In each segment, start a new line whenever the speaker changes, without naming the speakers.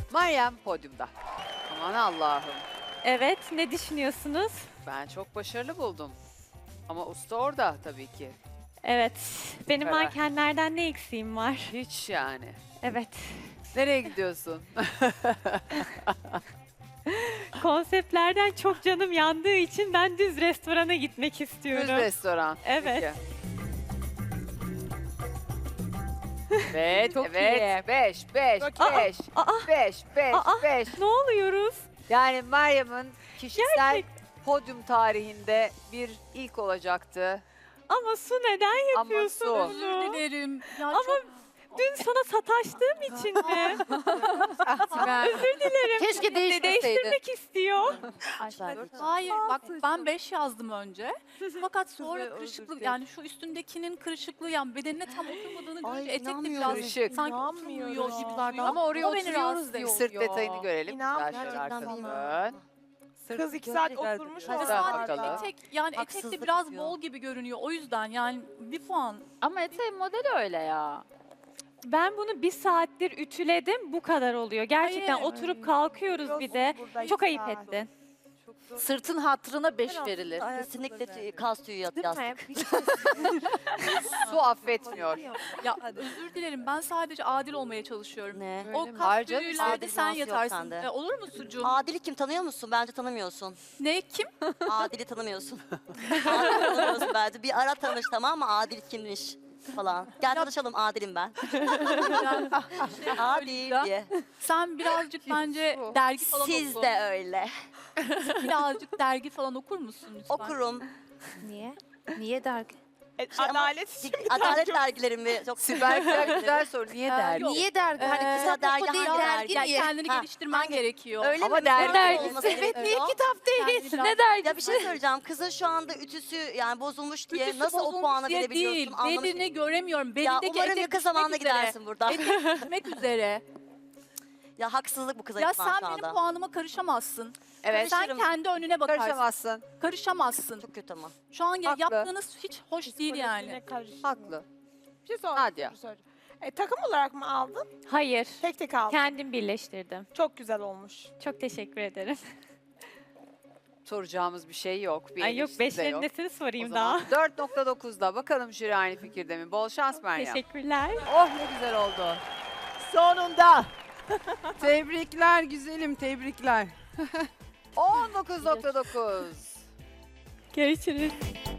Meryem podyumda. Aman Allah'ım.
Evet, ne düşünüyorsunuz?
Ben çok başarılı buldum. Ama usta orada tabii ki.
Evet, benim
Karar.
mankenlerden ne eksiğim var?
Hiç yani.
Evet,
Nereye gidiyorsun?
konseptlerden çok canım yandığı için ben düz restorana gitmek
Düz
istiyorum.
restoran.
Evet.
Peki. Evet,
Çok
evet.
iyi.
5, 5,
Aa,
5,
aa.
5, 5,
Aa.
5.
Ne oluyoruz?
Yani Meryem'in kişisel
Gerçekten.
podyum tarihinde bir ilk olacaktı.
Ama Su neden
Ama
yapıyorsun
Su.
bunu?
Özür dilerim. Ya
Ama
çok...
dün sana sataştığım için mi? Özür dilerim.
Keşke değiştirseydin.
Değiştirmek istiyor.
Hayır bak ben 5 yazdım önce. Fakat sonra kırışıklık yani şu üstündekinin kırışıklığı yani bedenine tam oturmadığını
Ay,
görünce etek de
inanmıyorum.
biraz
Kırışık.
sanki
İnanmıyorum.
oturmuyor gibi.
Ama oraya
O beni
oturuyoruz
rahatsız
diye
ediyor.
sırt detayını görelim.
İnan,
Güzel şöyle
gerçekten
arkanı
bilmiyorum.
dön.
Kız 2 saat oturmuş
Ya
Güzel
sadece
bakalım.
etek yani etek de
Haksızlık
biraz
yapıyor.
bol gibi görünüyor. O yüzden yani bir puan.
Ama eteğin modeli öyle ya.
Ben bunu bir saattir ütüledim, bu kadar oluyor. Gerçekten
Hayır.
oturup kalkıyoruz bir de. Çok ayıp ettin.
Sırtın hatırına 5 verilir.
Kesinlikle kas tüyü yastık.
Su affetmiyor.
Ya özür dilerim ben sadece adil olmaya çalışıyorum.
Ne?
O
Hayır
kas
canım,
tüylerde
adil
sen
dans yok
yatarsın.
sende.
Olur mu sucuğum?
Adil'i kim tanıyor musun? Bence tanımıyorsun.
Ne kim?
Adil'i tanımıyorsun. Adil'i tanımıyorsun bence. Bir ara tanış tamam mı? Adil kimmiş falan. Gel tanışalım Adil'im ben.
Yani
Adil diye.
sen birazcık bence dergi falan
Siz
oku.
de öyle.
Birazcık dergi falan okur musun lütfen?
Okurum.
Niye? Niye dergi?
Adalet
Adalet dergilerimi çok
Sibel güzel soru. Niye dergi?
Yok.
Niye dergi? Hani
Ee,
kitap
dergi
oku değil,
hangi
dergi
Yani
niye?
kendini
Ha,
geliştirmen gerekiyor.
Öyle
Ama
mi?
dergi
Dergi
olması
olması
Evet, niye
gerekiyor.
kitap değil?
Kendini biraz-
Ne dergi?
Ya bir şey söyleyeceğim. Kızın şu anda ütüsü yani bozulmuş diye
Ütüsü
nasıl o
bozulmuş
puanı
diye
verebiliyorsun
değil.
anlamış.
Belini göremiyorum.
Ya
Belindeki
umarım
etek
yakın
düşmek
zamanda
üzere.
gidersin buradan.
Etek düşmek üzere.
Ya haksızlık bu kıza
Ya
yapılan
sen
şu
benim
anda.
puanıma karışamazsın.
Evet.
Sen
Karışırım.
kendi önüne bakarsın.
Karışamazsın.
Karışamazsın.
Çok kötü ama.
Şu an
Haklı.
yaptığınız hiç hoş değil yani.
Haklı.
Bir şey
Nadia.
soracağım. Takım olarak mı aldın?
Hayır,
Tek tek aldın.
kendim birleştirdim.
Çok güzel olmuş.
Çok teşekkür ederim.
Soracağımız bir şey yok. Bir
Ay yok,
eleştiri de yok.
5'lerin nesini
O
sorayım
zaman
daha.
4.9'da bakalım jüri aynı fikirde mi? Bol şans Meryem.
Teşekkürler.
Oh ne güzel oldu.
Sonunda. Tebrikler güzelim, tebrikler.
19.9.
Görüşürüz.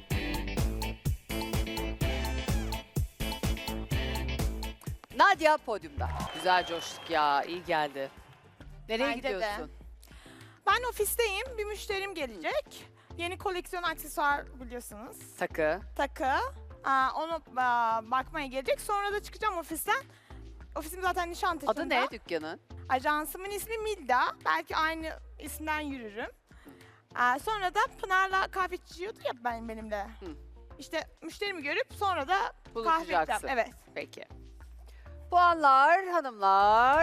Nadia podyumda. Güzel coştuk ya. İyi geldi. Nereye
Bence de.
gidiyorsun?
Ben ofisteyim. Bir müşterim gelecek. Yeni koleksiyon aksesuar biliyorsunuz.
Takı.
Takı. Onu bakmaya gelecek. Sonra da çıkacağım ofisten. Ofisim zaten Nişantaşı'nda.
Adı ne dükkanın?
Ajansımın ismi Milda. Belki aynı isimden yürürüm. Sonra da Pınar'la kahve içiyordu ya benimle. İşte müşterimi görüp sonra da kahve içeceğim.
Buluşacaksın.
Evet.
Peki. Puanlar hanımlar.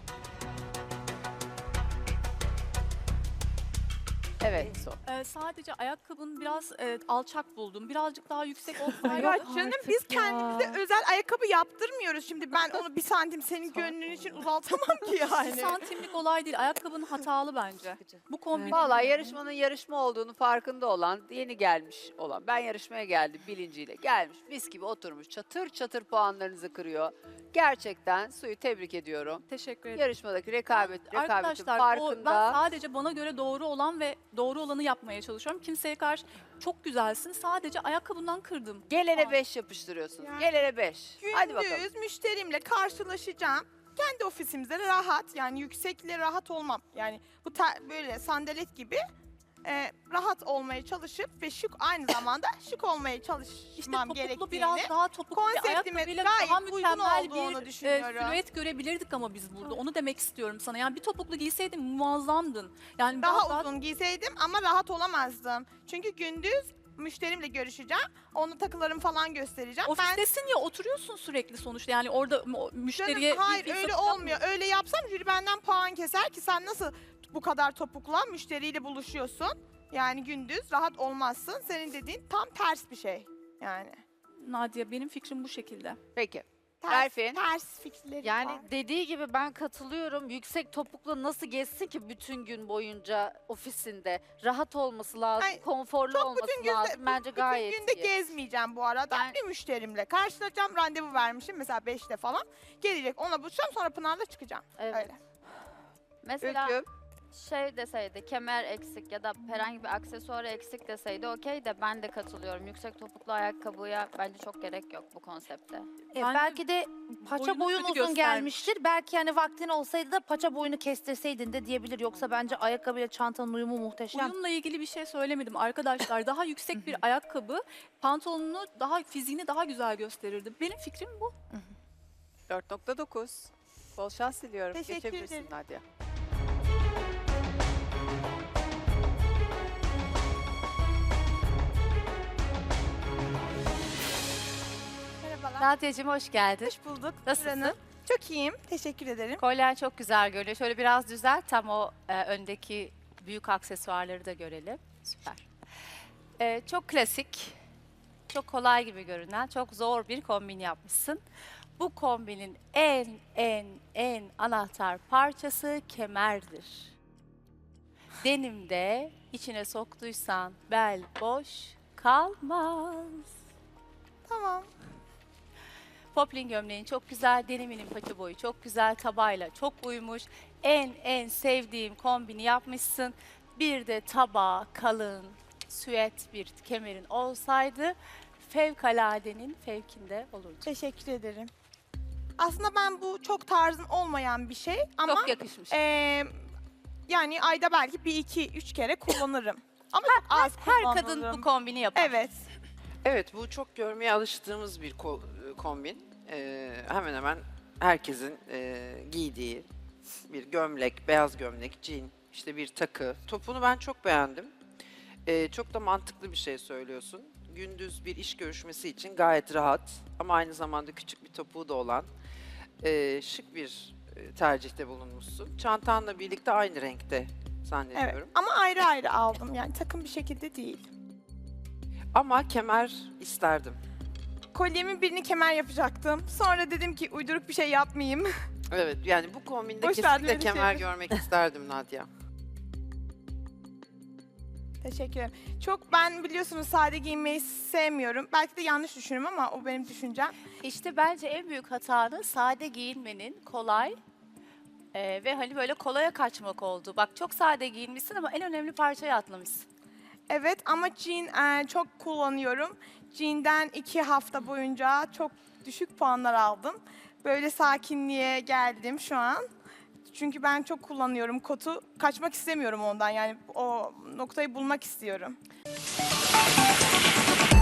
Evet.
Sadece ayakkabın biraz alçak buldum. Birazcık daha yüksek olsaydı.
Ya canım biz
artık ya.
kendimize özel ayakkabı yaptırmıyoruz. Şimdi ben onu 1 santim senin gönlün için uzaltamam ki
Bir
yani.
santimlik olay değil. Ayakkabın hatalı bence. Bu kombin.
Vallahi yarışmanın yarışma olduğunu farkında olan, yeni gelmiş olan, ben yarışmaya geldim bilinciyle gelmiş, mis gibi oturmuş, çatır çatır puanlarınızı kırıyor. Gerçekten Su'yu tebrik ediyorum.
Teşekkür ederim.
Yarışmadaki rekabetin
Arkadaşlar
farkında.
ben sadece bana göre doğru olan ve doğru olanı yapmaya çalışıyorum. Kimseye karşı çok güzelsin. Sadece ayakkabından kırdım.
Gelene 5 yapıştırıyorsunuz.
Yani
Gelene 5. Hadi bakalım.
Gündüz müşterimle karşılaşacağım. Kendi ofisimizde rahat yani yüksekle rahat olmam. Yani bu böyle sandalet gibi rahat olmaya çalışıp ve şık aynı zamanda şık olmaya
İşte
çalışmam
topuklu
gerektiğini.
biraz daha topuklu bir
konseptime
ayakkabıyla
gayet
daha
uygun
mükemmel
olduğunu
bir
düşünüyorum.
silüet görebilirdik ama biz burada. Onu demek istiyorum sana. Yani bir topuklu giyseydin muazzamdın. Yani
Daha
daha
uzun giyseydim ama rahat olamazdım. Çünkü gündüz müşterimle görüşeceğim. Onu takılarımı falan göstereceğim.
ofistesin ya oturuyorsun sürekli sonuçta. Yani orada müşteriye
Canım, hayır
bir
öyle
satış
olmuyor. Öyle yapsam jüri benden puan keser ki sen nasıl bu kadar topukla müşteriyle buluşuyorsun. Yani gündüz rahat olmazsın. Senin dediğin tam ters bir şey yani.
Nadia benim fikrim bu şekilde.
Peki. Berfin.
Ters fikirleri
Yani
var.
dediği gibi ben katılıyorum. Yüksek topukla nasıl gezsin ki bütün gün boyunca ofisinde? Rahat olması lazım,
Ay,
konforlu
çok
olması
bütün günde,
lazım. Bence gayet
bütün günde
iyi.
gezmeyeceğim bu arada.
Yani-
Bir müşterimle karşılaşacağım. Randevu vermişim mesela 5'te falan. Gelecek, ona buluşacağım, sonra Pınar'la çıkacağım.
Evet.
Öyle.
Mesela
Ülküm.
şey deseydi, kemer eksik ya da herhangi bir aksesuar eksik deseydi okey de ben de katılıyorum. Yüksek topuklu ayakkabıya bence çok gerek yok bu konsepte.
Bence
Belki de paça
boyunu
boyun
kötü
uzun
göstermiş.
gelmiştir. Belki hani vaktin olsaydı da paça boyunu kestirseydin de diyebilir. Yoksa bence ayakkabıyla çantanın uyumu muhteşem.
Uyumla ilgili bir şey söylemedim arkadaşlar. Daha yüksek bir ayakkabı pantolonunu daha fiziğini daha güzel gösterirdi. Benim fikrim bu.
4.9. Bol şans diliyorum.
Teşekkür
Geçebilirsin
ederim.
Nadia.
Merhabalar.
Nadia'cığım hoş geldin.
Hoş bulduk.
Nasılsın?
Nuran'ım. Çok iyiyim. Teşekkür ederim.
Kolyen çok güzel görünüyor. Şöyle biraz düzelt, tam o öndeki büyük aksesuarları da görelim. Süper. Çok klasik, çok kolay gibi görünen, çok zor bir kombin yapmışsın. Bu kombinin en anahtar parçası kemerdir. Denimde içine soktuysan bel boş kalmaz.
Tamam.
Poplin gömleğin çok güzel, deniminin paça boyu çok güzel, tabayla çok uymuş. En sevdiğim kombini yapmışsın. Bir de tabağa kalın, süet bir kemerin olsaydı fevkaladenin fevkinde olurdu.
Teşekkür ederim. Aslında ben bu çok tarzım olmayan bir şey ama
Çok yakışmış.
yani ayda belki 1-2-3 kere kullanırım. Ama çok az
Her
kullanırım.
kadın bu kombini yapar.
Evet.
Evet, bu çok görmeye alıştığımız bir kombin. Hemen hemen herkesin giydiği bir gömlek, beyaz gömlek, jean, işte bir takı. Topunu ben çok beğendim. Çok da mantıklı bir şey söylüyorsun. Gündüz bir iş görüşmesi için gayet rahat ama aynı zamanda küçük bir topuğu da olan şık bir tercihte bulunmuşsun. Çantanla birlikte aynı renkte
Evet.
zannediyorum.
Ama ayrı ayrı aldım. Yani takım bir şekilde değil.
Ama kemer isterdim.
Kolyemin birini kemer yapacaktım. Sonra dedim ki uyduruk bir şey yapmayayım.
Evet, yani bu kombinde
Boş ver,
kesinlikle
böyle
kemer
şeyler.
görmek isterdim Nadia.
Teşekkür ederim. Çok ben biliyorsunuz sade giyinmeyi sevmiyorum. Belki de yanlış düşünüyorum ama o benim düşüncem.
İşte bence en büyük hatanın sade giyinmenin kolay ve hani böyle kolaya kaçmak oldu. Bak çok sade giyinmişsin ama en önemli parçayı atlamışsın.
Evet ama jean çok kullanıyorum. Jean'den 2 hafta boyunca çok düşük puanlar aldım. Böyle sakinliğe geldim şu an. Çünkü ben çok kullanıyorum kotu. Kaçmak istemiyorum ondan. Yani o noktayı bulmak istiyorum.